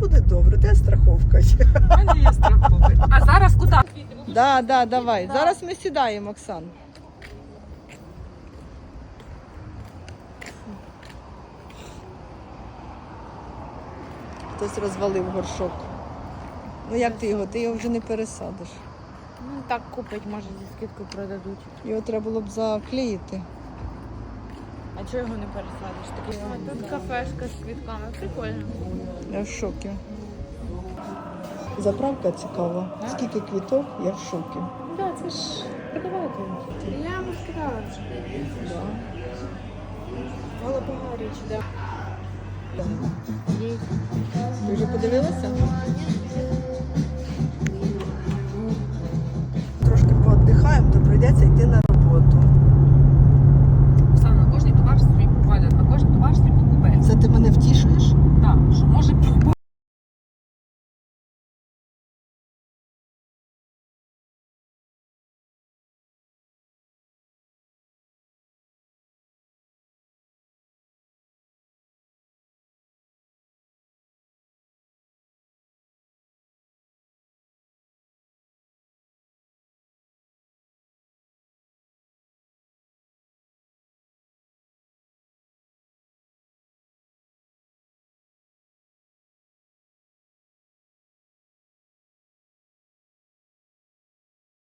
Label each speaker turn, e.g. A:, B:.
A: буде добре, де страховка є.
B: У мене є страховка. А зараз куди?
A: Да, давай. Зараз ми сідаємо, Оксан. Хтось розвалив горшок. Ну як ти його вже не пересадиш.
B: Ну так купить, може зі скидкою продадуть.
A: Його треба було б заклеїти.
B: А чого його не пересадиш? Такий тут кафешка з квітками. Прикольно.
A: Я в шокі. Заправка цікава. Скільки квіток, я в шокі.
B: Так, це ж продавати. Я вам сказала вже. Голубогаріч, так.
A: Ти вже подивилася? Трошки пооддихаємо, то прийдеться йти на